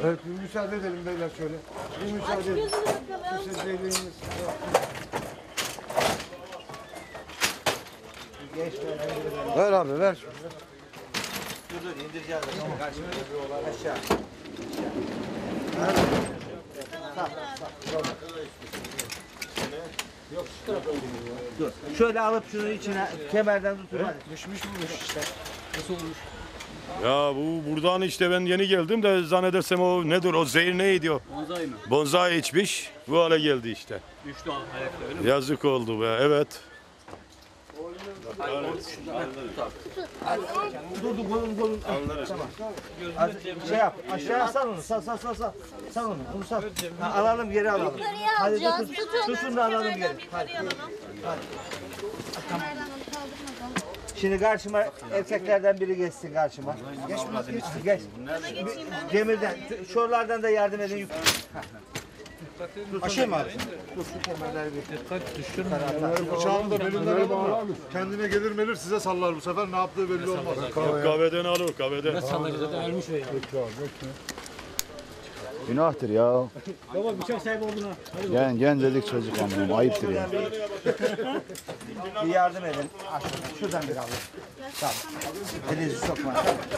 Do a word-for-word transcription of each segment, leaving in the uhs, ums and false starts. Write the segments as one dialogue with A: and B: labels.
A: Evet, bir müsaade edelim beyler şöyle. Bir müsaade edelim. Şu sesleyiğiniz. Ver abi, ver.
B: Dur dur indireceğiz. Karşıma aşağı. Yok şu tarafa dur. Şöyle alıp şunu içine kemerden tutun.
A: Düşmüş bulmuş işte. Nasıl olmuş?
C: Ya bu buradan işte ben yeni geldim de zannedersem o nedir o zehir neydi o?
D: Bonsai mı?
C: Bonsai içmiş bu hale geldi işte.
D: Düştü ayakta öyle mi?
C: Yazık oldu be evet.
B: Dur dur kolun kolun. Tamam. Az, şey yap. Aşağıya sal onu. Sal sal sal sal. Sal onu. Onu sal. Ha, alalım geri alalım.
E: Yukarıya
B: Hadi
E: alacağız.
B: tutun.
E: Tutun.
B: Tutun da alalım geri. Hadi. Şimdi karşıma erkeklerden biri geçsin karşıma. Geç biraz geç. Geç. Demirden, şuralardan da yardım edin. Aşağı mı abi? Dur şu kemerleri bir. Dikkat düşürme.
A: Bıçağını da belinden alın mı? Kendine gelir melir size sallar bu sefer ne yaptığı belli olmaz.
C: Kahveden alır kahveden.
D: Ölmüş o ya.
F: Günahtır ya.
D: Baba bıçak sahibi oldun ha.
F: Gen, gencecik çocuk anlıyorum. Ayıptır ya.
B: Bir yardım edin. Aşağıdan. Şuradan bir alın. Tamam. Elinizi sokma.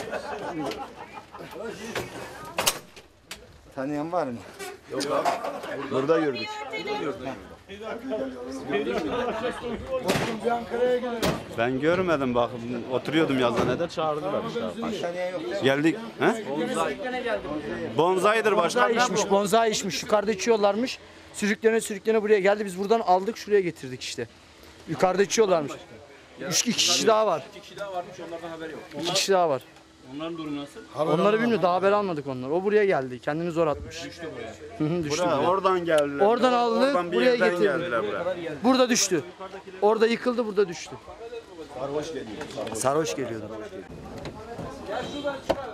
B: Tanıyan var mı?
F: Burada gördük. Ben görmedim bak. Oturuyordum yazıhanede çağırdılar işte.
B: Tanıyan yok değil mi?
F: Geldik. He? Bonsai'dir başkan.
G: Bonsai içmiş, bonsai içmiş. Yukarıda içiyorlarmış. Sürüklene sürüklene buraya geldi. Biz buradan aldık, şuraya getirdik işte. Yukarıda içiyorlarmış. Üç iki kişi daha var.
D: İki kişi daha varmış onlardan haberi yok.
G: İki kişi daha var.
D: Onların durumu nasıl?
G: Onları bilmiyor. Daha haber almadık onları. O buraya geldi. Kendini zor atmış. Düştü buraya. Hı hı, düştü
F: Buraya,
G: buraya.
F: oradan geldiler.
G: Oradan aldı,
F: Oradan bir
G: buraya
F: yerden
G: getirdi.
F: geldiler buraya.
G: Burada düştü. Orada yıkıldı, burada düştü. Sarhoş geliyordu. Sarhoş geliyordu.